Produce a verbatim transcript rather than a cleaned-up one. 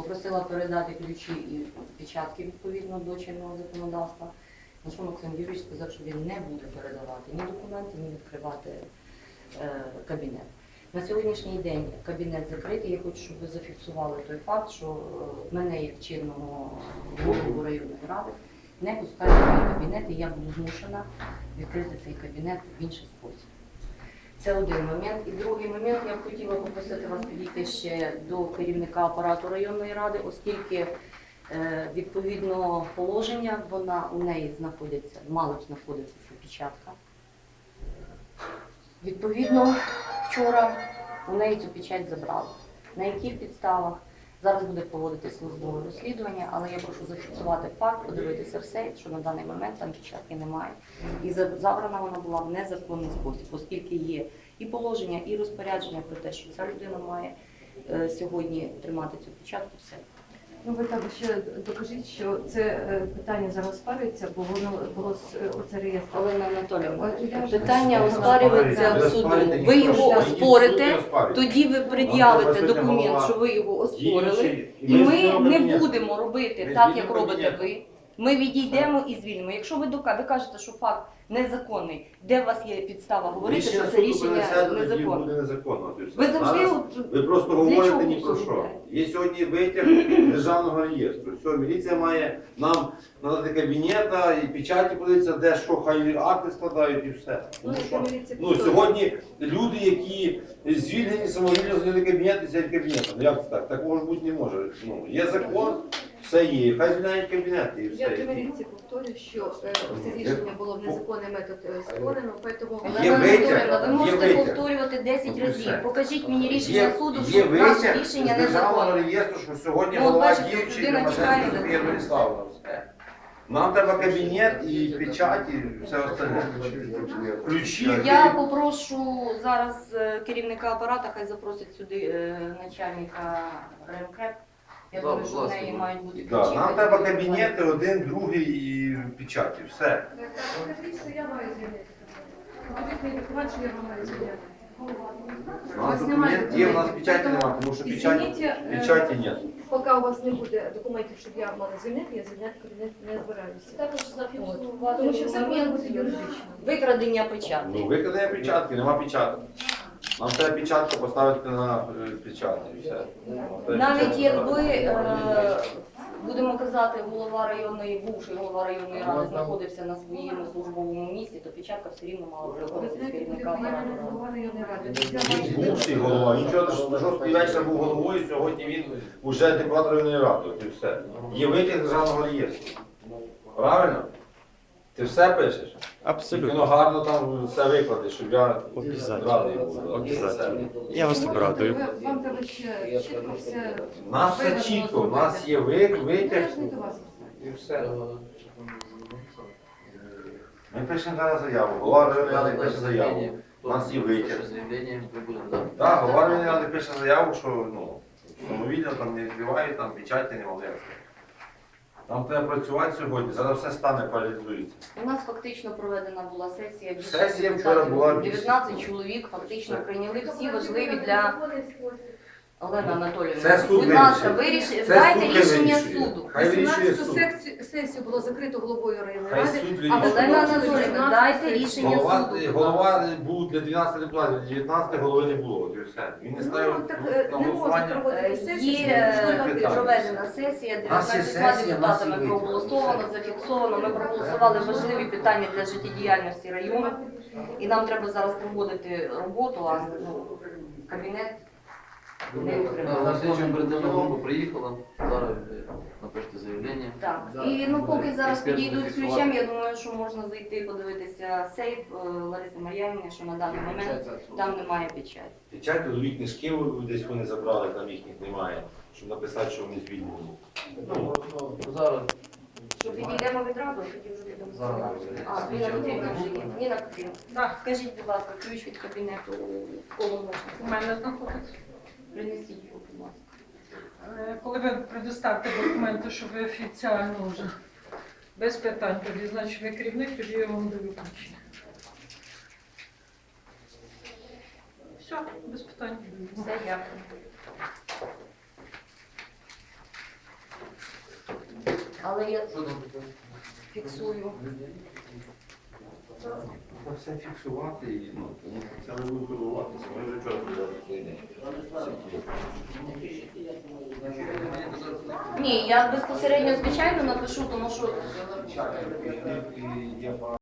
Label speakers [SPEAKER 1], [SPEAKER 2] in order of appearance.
[SPEAKER 1] Попросила передати ключі і печатки відповідно до чинного законодавства. На що Максим Юрійович сказав, що він не буде передавати ні документи, ні відкривати е, кабінет. На сьогоднішній день кабінет закритий. Я хочу, щоб ви зафіксували той факт, що е, мене як чинного голову районної ради не пускають в мій кабінет, і я буду змушена відкрити цей кабінет в інший спосіб. Це один момент. І другий момент, я б хотіла попросити вас підійти ще до керівника апарату районної ради, оскільки е, відповідно положення, вона у неї знаходиться, мало б знаходиться ця печатка. Відповідно, вчора у неї цю печать забрали. На яких підставах? Зараз буде проводити службове розслідування, але я прошу зафіксувати факт, подивитися все, що на даний момент там печатки немає. І забрана вона була в незаконний спосіб, оскільки є і положення, і розпорядження про те, що ця людина має е, сьогодні тримати цю печатку, все.
[SPEAKER 2] Ну, ви також ще докажіть, що це е, питання зараз спарюється, бо воно було з е, оце реєстр.
[SPEAKER 1] Олена Анатоліївна,
[SPEAKER 2] От я ж-
[SPEAKER 1] питання оспарюється в суду. Ви його оспорите, тоді ви пред'явите документ, що ви його оспорили, і ми не будемо робити так, як робите ви. Ми відійдемо і звільнимо. Якщо ви дока- ви кажете, що факт незаконний, де у вас є підстава говорити, що це рішення незаконне?
[SPEAKER 3] незаконно.
[SPEAKER 1] Ви завжди
[SPEAKER 3] Зараз
[SPEAKER 1] от
[SPEAKER 3] ви просто
[SPEAKER 1] для
[SPEAKER 3] говорите
[SPEAKER 1] чого
[SPEAKER 3] ні про
[SPEAKER 1] це
[SPEAKER 3] що.
[SPEAKER 1] робите?
[SPEAKER 3] Є сьогодні витяг державного реєстру. Все, міліція має нам надати кабінета і печаті подивитися, де що, хай акти складають і все.
[SPEAKER 2] Ну,
[SPEAKER 3] Ну,
[SPEAKER 2] це
[SPEAKER 3] що?
[SPEAKER 2] міліція
[SPEAKER 3] Ну,
[SPEAKER 2] підходить.
[SPEAKER 3] сьогодні люди, які звільнені, самовільно зайняли кабінет і сядуть кабінетом. Ну, як це так? Такого ж бути не може. Ну, є закон, все є. Хай звільняють кабінет і
[SPEAKER 2] Я
[SPEAKER 3] все.
[SPEAKER 2] при міліції повторю, що е, це рішення було в незаконний метод е, створено, тому
[SPEAKER 3] Є
[SPEAKER 1] Олена
[SPEAKER 3] витяг,
[SPEAKER 1] Анатоліївна, ви
[SPEAKER 3] є
[SPEAKER 1] можете
[SPEAKER 3] витяг.
[SPEAKER 1] повторювати десять
[SPEAKER 3] Ну,
[SPEAKER 1] разів.
[SPEAKER 3] все.
[SPEAKER 1] Покажіть мені рішення
[SPEAKER 3] Є,
[SPEAKER 1] суду,
[SPEAKER 3] є
[SPEAKER 1] що наше
[SPEAKER 3] витяг
[SPEAKER 1] рішення
[SPEAKER 3] з державного
[SPEAKER 1] незаконне.
[SPEAKER 3] реєстру, що сьогодні
[SPEAKER 1] Ну, от
[SPEAKER 3] голова
[SPEAKER 1] бачите,
[SPEAKER 3] діючий
[SPEAKER 1] людина
[SPEAKER 3] Тимошенко
[SPEAKER 1] тікає
[SPEAKER 3] Софія
[SPEAKER 1] за цим.
[SPEAKER 3] Бориславовна. Все. Нам треба кабінет і печать, і все остальне. Ключі.
[SPEAKER 1] Я попрошу зараз е, керівника апарата, хай запросить сюди е, начальника РЕМКРЕП. Я
[SPEAKER 4] Да,
[SPEAKER 1] думаю,
[SPEAKER 4] будь
[SPEAKER 1] що в
[SPEAKER 4] ласка.
[SPEAKER 1] неї мають бути ключі.
[SPEAKER 3] Да, нам
[SPEAKER 1] хай
[SPEAKER 3] треба
[SPEAKER 1] буде
[SPEAKER 3] кабінети, один, другий і печаті. Все.
[SPEAKER 2] Покажіть, що я маю звільнити. Покажіть мені документ, що я маю звільнити.
[SPEAKER 3] У нас документ є, у нас печаті немає, тому що печаті,
[SPEAKER 2] Извините, е,
[SPEAKER 3] печаті нет.
[SPEAKER 2] Поки у вас не буде документів, щоб я мала звільнити, я звільняти кабінет не збираюся.
[SPEAKER 1] Також
[SPEAKER 2] От.
[SPEAKER 1] зафіксувати
[SPEAKER 2] Тому що все має
[SPEAKER 1] момент
[SPEAKER 2] бути юридично.
[SPEAKER 1] викрадення печатки.
[SPEAKER 3] Ну, викладає печатки, нема печаток. Нам треба печатку поставити на е, печаті. і все.
[SPEAKER 1] Навіть
[SPEAKER 3] Печатку
[SPEAKER 1] якби,
[SPEAKER 3] ставити.
[SPEAKER 1] е, будемо казати, голова районної, бувший голова районної ради знаходився на своєму службовому місці, то печатка все рівно мала приходити з керівника апарату.
[SPEAKER 3] Він бувший голова, нічого що жорсткий вечір був головою, сьогодні він вже депутат районної ради, от і все. Є витяг державного реєстру. Правильно? Ти все пишеш? Тільки
[SPEAKER 5] Абсолютно.
[SPEAKER 3] воно гарно там все викладеш, щоб я
[SPEAKER 5] Обязательно.
[SPEAKER 3] радий був.
[SPEAKER 5] Обязательно. Я вас обрадую.
[SPEAKER 2] Вам треба ще чітко все.
[SPEAKER 3] У нас все чітко, у нас є ви- витяг
[SPEAKER 2] Я ж не до вас.
[SPEAKER 3] і все. Ми пишемо зараз заяву, голова районної ради пише заяву. У нас є витяг.
[SPEAKER 4] Заявление мы будем давать.
[SPEAKER 3] Так, голова районної ради пише заяву, що ну, самовільно там не відкривають, там печаті не мали. Нам треба працювати сьогодні, зараз все стане, паралізується.
[SPEAKER 1] У нас фактично проведена була сесія. більше
[SPEAKER 3] Сесія вчора
[SPEAKER 1] депутатів,
[SPEAKER 3] була більше.
[SPEAKER 1] дев'ятнадцять чоловік фактично прийняли всі важливі для Олена Анатоліївна.
[SPEAKER 3] Це суд
[SPEAKER 1] Будь ласка,
[SPEAKER 3] вирішує.
[SPEAKER 1] вирішуйте,
[SPEAKER 3] Це
[SPEAKER 1] дайте
[SPEAKER 3] суд
[SPEAKER 1] рішення
[SPEAKER 3] вирішує.
[SPEAKER 1] суду.
[SPEAKER 3] Хай вирішує
[SPEAKER 2] вісімнадцяту
[SPEAKER 3] суд.
[SPEAKER 2] секцію- сесію було закрито головою районної
[SPEAKER 3] Хай
[SPEAKER 2] ради.
[SPEAKER 3] суд
[SPEAKER 2] а
[SPEAKER 3] вирішує.
[SPEAKER 1] Олена
[SPEAKER 2] виходить
[SPEAKER 1] Анатоліївна,
[SPEAKER 2] вісімнадцята
[SPEAKER 1] дайте
[SPEAKER 2] сесія.
[SPEAKER 1] рішення
[SPEAKER 3] Голова,
[SPEAKER 1] суду.
[SPEAKER 3] голова був для дванадцяти депутатів, дев'ятнадцяти голови не було, от і все. Він не
[SPEAKER 2] Ну,
[SPEAKER 3] ставив
[SPEAKER 2] так,
[SPEAKER 3] на
[SPEAKER 2] е, не можуть
[SPEAKER 3] голосування.
[SPEAKER 2] проводити
[SPEAKER 1] Є
[SPEAKER 2] сесію.
[SPEAKER 3] питання.
[SPEAKER 1] проведена сесія,
[SPEAKER 3] У нас є
[SPEAKER 1] дев'ятнадцятьма
[SPEAKER 3] сесія, у нас є
[SPEAKER 1] депутатами
[SPEAKER 3] вибори.
[SPEAKER 1] проголосовано, зафіксовано. Ми проголосували важливі питання для життєдіяльності району. І нам треба зараз проводити роботу, а ну, кабінет не
[SPEAKER 4] На
[SPEAKER 1] отримав.
[SPEAKER 4] следующем оперативна група приїхала, зараз ви напишете заявлення.
[SPEAKER 1] Так, і ну поки зараз
[SPEAKER 4] Експерт
[SPEAKER 1] підійдуть з
[SPEAKER 4] зафіксував.
[SPEAKER 1] ключем, я думаю, що можна зайти подивитися сейф е, Лариси Мар'янівни, що на даний момент там немає печаті.
[SPEAKER 3] Печать, трудові книжки десь вони забрали, там їхніх немає, щоб написати, що вони звільнені.
[SPEAKER 4] Ну, зараз
[SPEAKER 1] Що підійдемо відразу, тоді вже будемо
[SPEAKER 4] Зараз.
[SPEAKER 1] сказати. А, Ніна Петрівна вже є. Ніна Петрівна,
[SPEAKER 6] Так,
[SPEAKER 1] скажіть, будь ласка, ключ від кабінету повномочного.
[SPEAKER 6] у мене знаходиться.
[SPEAKER 1] Принесіть його, будь ласка.
[SPEAKER 6] Е, Коли ви предоставите документи, що ви офіціально вже без питань, тоді значить ви керівник, тоді я вам даю ключі. Все, без питань.
[SPEAKER 1] Все, дякую. Але я
[SPEAKER 4] Що там таке?
[SPEAKER 1] фіксую.
[SPEAKER 7] Це все фіксувати і ну, тому що це не буде турбуватися. Ми вже вчора подали цей день.
[SPEAKER 1] Ні, я безпосередньо, звичайно, напишу, тому що
[SPEAKER 7] І- і- і є